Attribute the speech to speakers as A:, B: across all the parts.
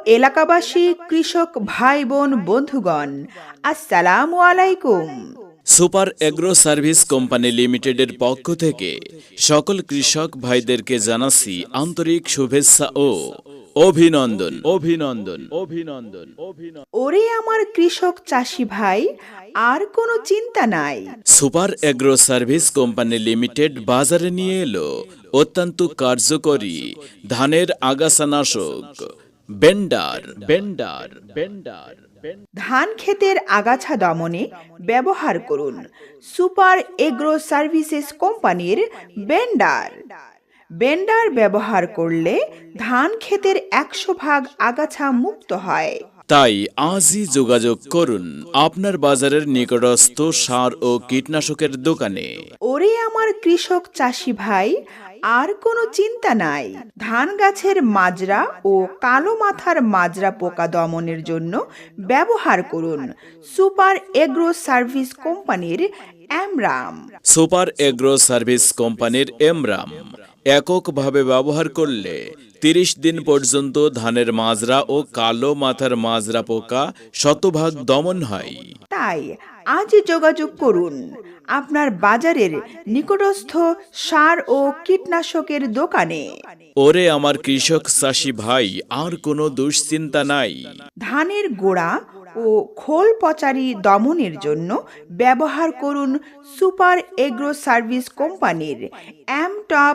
A: এলাকাবাসী, কৃষক ভাই বোন বন্ধুগণ, আসসালামু আলাইকুম।
B: সুপার এগ্রো সার্ভিস কোম্পানি লিমিটেডের পক্ষ থেকে সকল কৃষক ভাইদেরকে জানাচ্ছি আন্তরিক শুভেচ্ছা ও অভিনন্দন অভিনন্দন অভিনন্দন অভিনন্দন।
A: ওরে আমার কৃষক চাষি ভাই, আর কোনো চিন্তা নাই।
B: Super agro service company limited বাজারে নিয়ে এলো অত্যন্ত কার্যকরী ধানের আগাছানাশক বেন্ডার বেন্ডার বেন্ডার।
A: ধান ক্ষেতের আগাছা দমনে ব্যবহার করুন সুপার এগ্রো সার্ভিসেস কোম্পানির বেন্ডার। বেন্ডার ব্যবহার করলে ধান ক্ষেতের 100% আগাছা মুক্ত হয়।
B: তাই আজই যোগাযোগ করুন আপনার বাজারের নিকটস্থ সার ও কীটনাশকের দোকানে।
A: ওরে আমার কৃষক চাষি ভাই, আর কোনো চিন্তা নাই। ধান গাছের মাজরা ও কালো মাথার মাজরা পোকা দমনের জন্য ব্যবহার করুন সুপার এগ্রো সার্ভিস কোম্পানির অ্যামরাম।
B: সুপার এগ্রো সার্ভিস কোম্পানির এমরাম এককভাবে ব্যবহার করলে 30 দিন পর্যন্ত ধানের মাজরা ও কালো মাথার মাজরা পোকা 100% দমন হয়।
A: তাই আজই যোগাযোগ করুন আপনার বাজারের নিকটস্থ সার ও কীটনাশকের দোকানে।
B: ওরে আমার কৃষক চাষি ভাই, আর কোনো দুশ্চিন্তা নাই।
A: ধানের গোড়া ও খোল পচারি দমনের জন্য ব্যবহার করুন সুপার এগ্রো সার্ভিস কোম্পানির top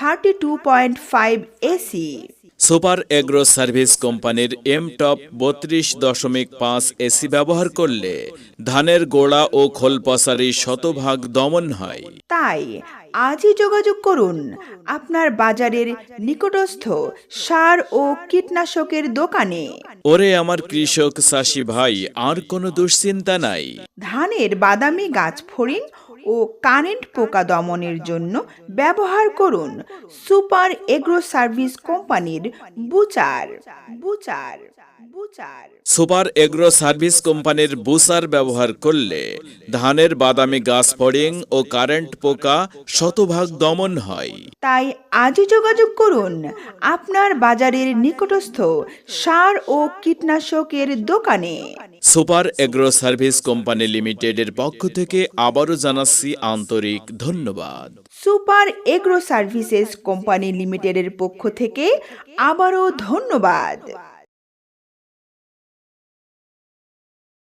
A: 32.5 EC.
B: Super agro service কোম্পানির টপ 32.5 এসি ব্যবহার করলে ধানের গোড়া ও খোল পচারি 100% দমন হয়।
A: তাই আজই যোগাযোগ করুন আপনার বাজারের নিকটস্থ সার ও কীটনাশকের দোকানে।
B: ওরে আমার কৃষক চাষি ভাই, আর কোনো দুশ্চিন্তা নাই।
A: ধানের বাদামি গাছ ফড়িং ও কারেন্ট পোকা দমনের জন্য ব্যবহার করুন সুপার এগ্রো সার্ভিস কোম্পানির বুচার বুচার বুচার।
B: সুপার এগ্রো সার্ভিস কোম্পানির বুসার ব্যবহার করলে ধানের বাদামি গাছ ফড়িং ও কারেন্ট পোকা 100% দমন হয়।
A: তাই আজই যোগাযোগ করুন আপনার বাজারের নিকটস্থ সার ও কীটনাশকের দোকানে।
B: সুপার এগ্রো সার্ভিস কোম্পানি লিমিটেডের পক্ষ থেকে আবারও জানাচ্ছি আন্তরিক ধন্যবাদ।
A: সুপার এগ্রো সার্ভিসেস কোম্পানি লিমিটেডের পক্ষ থেকে আবারও ধন্যবাদ।